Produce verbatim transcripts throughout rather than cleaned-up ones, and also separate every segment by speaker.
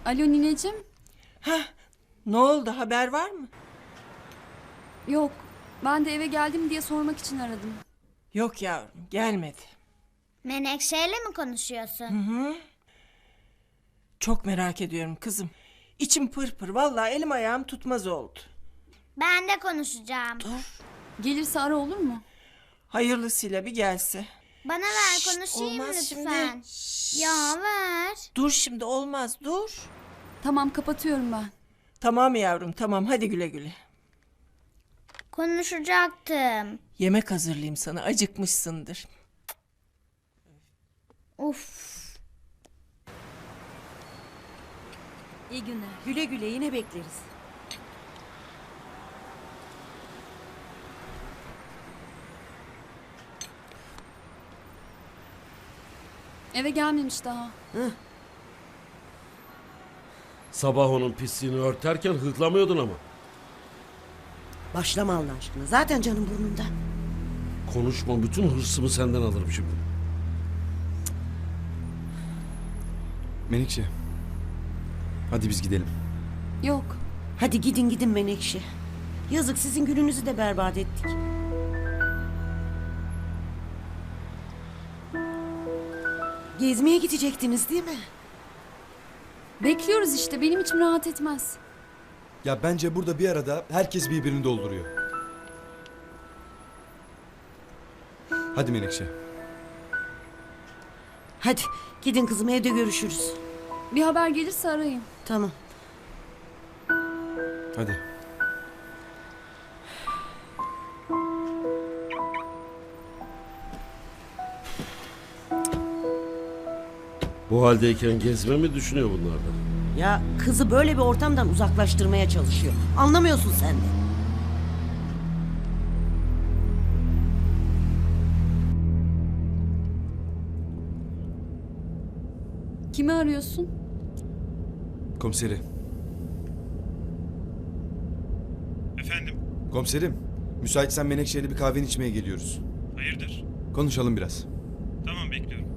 Speaker 1: Alo nineciğim.
Speaker 2: Hah, ne oldu, haber var mı?
Speaker 1: Yok. Ben de eve geldim diye sormak için aradım.
Speaker 2: Yok yavrum, gelmedi.
Speaker 3: Menekşe'yle mi konuşuyorsun?
Speaker 2: Çok merak ediyorum kızım. İçim pırpır, vallahi elim ayağım tutmaz oldu.
Speaker 3: Ben de konuşacağım.
Speaker 1: Gelirse ara olur mu?
Speaker 2: Hayırlısıyla bir gelse.
Speaker 3: Bana ver
Speaker 2: Şşt,
Speaker 3: konuşayım
Speaker 2: olmaz
Speaker 3: lütfen. Ya ver.
Speaker 2: Dur şimdi, olmaz, dur.
Speaker 1: Tamam kapatıyorum ben.
Speaker 2: Tamam yavrum, tamam, hadi güle güle.
Speaker 3: Konuşacaktım.
Speaker 2: Yemek hazırlayayım sana, acıkmışsındır.
Speaker 3: Uf.
Speaker 4: İyi günler. Güle güle yine bekleriz.
Speaker 1: Eve gelmemiş daha.
Speaker 5: Sabah onun pisliğini örterken hıklamıyordun ama.
Speaker 4: Başlama Allah aşkına. Zaten canım burnumda.
Speaker 5: Konuşma, bütün hırsımı senden alırım şimdi.
Speaker 6: Menekşe. Hadi biz gidelim.
Speaker 1: Yok.
Speaker 4: Hadi gidin gidin Menekşe. Yazık sizin gününüzü de berbat ettik. Gezmeye gidecektiniz değil mi?
Speaker 1: Bekliyoruz işte. Benim içim rahat etmez.
Speaker 6: Ya bence burada bir arada herkes birbirini dolduruyor. Hadi Menekşe.
Speaker 4: Hadi gidin kızım, evde görüşürüz.
Speaker 1: Bir haber gelirse arayın.
Speaker 4: Tamam.
Speaker 6: Hadi.
Speaker 5: Bu haldeyken gezme mi düşünüyor bunlardan?
Speaker 4: Ya kızı böyle bir ortamdan uzaklaştırmaya çalışıyor. Anlamıyorsun sen de.
Speaker 1: Kimi arıyorsun?
Speaker 6: Komiseri.
Speaker 7: Efendim,
Speaker 6: Komiserim. Müsaitsen Menekşe'yle bir kahveni içmeye geliyoruz.
Speaker 7: hayırdır?
Speaker 6: Konuşalım biraz.
Speaker 7: Tamam, bekliyorum.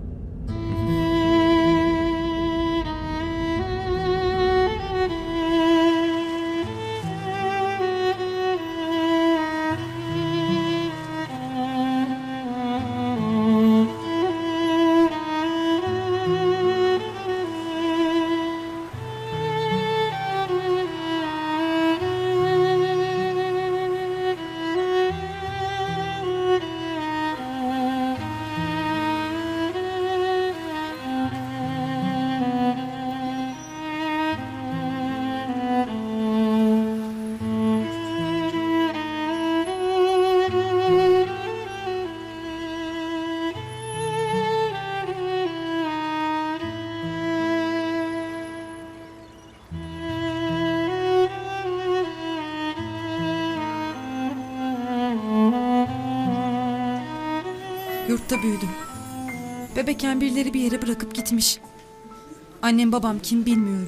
Speaker 8: Yurtta büyüdüm. Bebekken birileri bir yere bırakıp gitmiş. Annem babam kim bilmiyorum.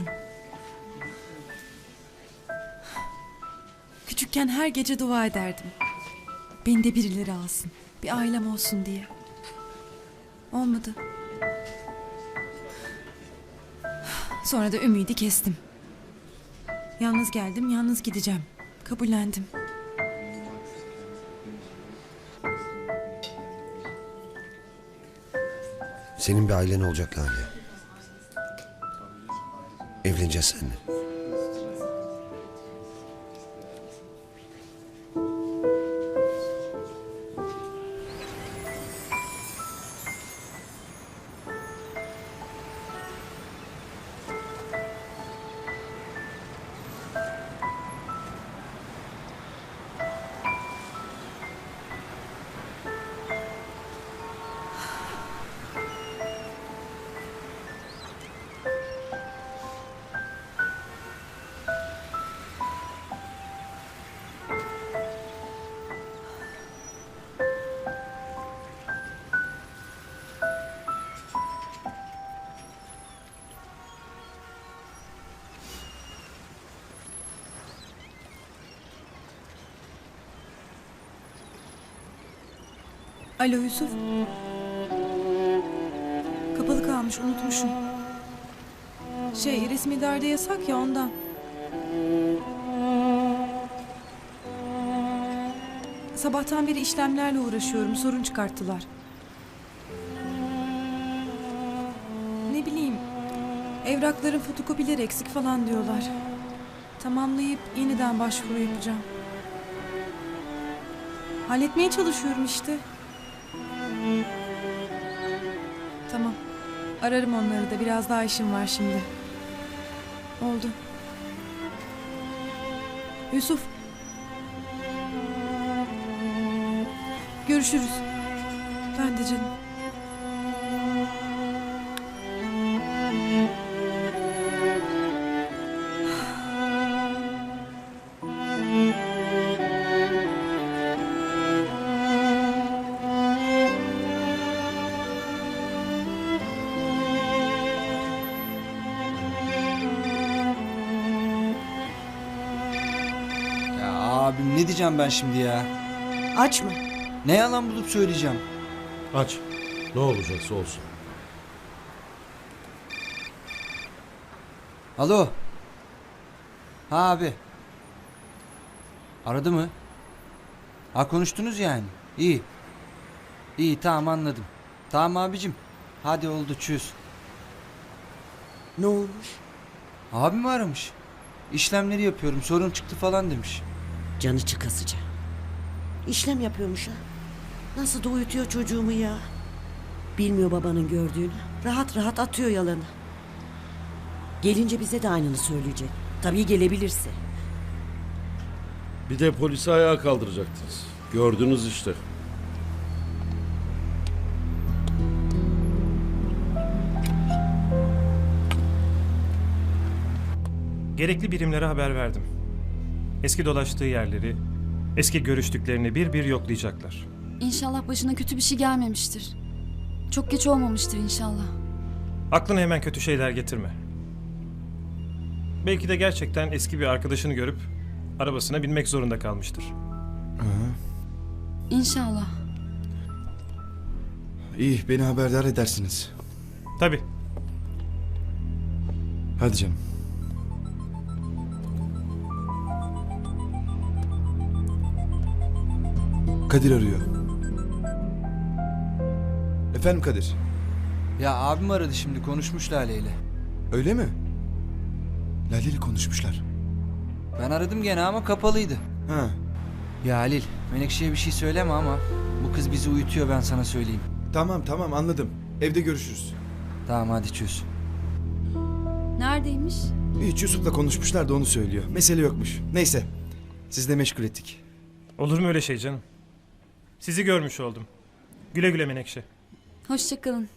Speaker 8: Küçükken her gece dua ederdim. Beni de birileri alsın. Bir ailem olsun diye. Olmadı. Sonra da ümidi kestim. Yalnız geldim, yalnız gideceğim. Kabullendim.
Speaker 9: Senin bir ailen olacak Lale. Evleneceğiz seninle.
Speaker 8: Alo Yusuf. Kapalı kalmış, unutmuşum. Şey resmi dairede yasak ya ondan. Sabahtan beri işlemlerle uğraşıyorum. Sorun çıkarttılar. Ne bileyim. Evrakların fotokopileri eksik falan diyorlar. Tamamlayıp yeniden başvuru yapacağım. Halletmeye çalışıyorum işte. Tamam. Ararım onları da. Biraz daha işim var şimdi. Oldu. Yusuf. Görüşürüz. Ben de canım.
Speaker 10: Ya abim ne diyeceğim ben şimdi ya?
Speaker 4: Açma.
Speaker 10: Ne yalan bulup söyleyeceğim?
Speaker 5: Aç. Ne olacaksa olsun.
Speaker 10: Alo. Ha abi. Aradı mı? Ha konuştunuz yani. İyi. İyi tamam anladım. Tamam abicim. Hadi oldu çöz.
Speaker 4: Ne olmuş?
Speaker 10: Abim aramış. İşlemleri yapıyorum sorun çıktı falan demiş.
Speaker 4: Canı çıkasıca. İşlem yapıyormuş ha. Nasıl da uyutuyor çocuğumu ya. Bilmiyor babanın gördüğünü. Rahat rahat atıyor yalanı. Gelince bize de aynını söyleyecek. Tabii gelebilirse.
Speaker 5: Bir de polisi ayağa kaldıracaktınız. Gördünüz işte.
Speaker 7: Gerekli birimlere haber verdim. Eski dolaştığı yerleri, eski görüştüklerini bir bir yoklayacaklar.
Speaker 1: İnşallah başına kötü bir şey gelmemiştir. Çok geç olmamıştır inşallah.
Speaker 7: Aklına hemen kötü şeyler getirme. Belki de gerçekten eski bir arkadaşını görüp arabasına binmek zorunda kalmıştır.
Speaker 1: İnşallah.
Speaker 6: İyi, beni haberdar edersiniz.
Speaker 7: Tabii.
Speaker 6: Hadi canım. Kadir arıyor. Efendim Kadir.
Speaker 10: Ya abim aradı şimdi konuşmuş Lale ile.
Speaker 6: Öyle mi? Lale ile konuşmuşlar.
Speaker 10: Ben aradım gene ama kapalıydı.
Speaker 6: Ha.
Speaker 10: Ya Halil Menekşe'ye bir şey söyleme ama bu kız bizi uyutuyor ben sana söyleyeyim.
Speaker 6: Tamam tamam anladım. Evde görüşürüz.
Speaker 10: Tamam hadi çöz.
Speaker 1: Neredeymiş?
Speaker 6: Hiç Yusuf'la konuşmuşlar da onu söylüyor. Mesele yokmuş. Neyse. Siz de meşgul ettik.
Speaker 7: Olur mu öyle şey canım? Sizi görmüş oldum. Güle güle Menekşe.
Speaker 1: Hoşça kalın.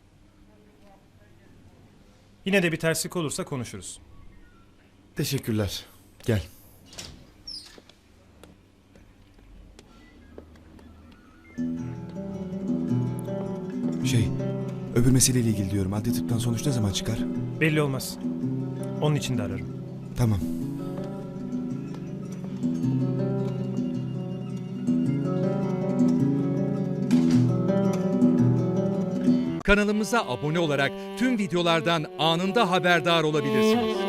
Speaker 7: Yine de bir terslik olursa konuşuruz.
Speaker 6: Teşekkürler. Gel. Şey, öbür meseleyle ilgili diyorum. Adli tıptan sonuç ne zaman çıkar?
Speaker 7: Belli olmaz. Onun için de ararım.
Speaker 6: Tamam.
Speaker 11: Kanalımıza abone olarak tüm videolardan anında haberdar olabilirsiniz.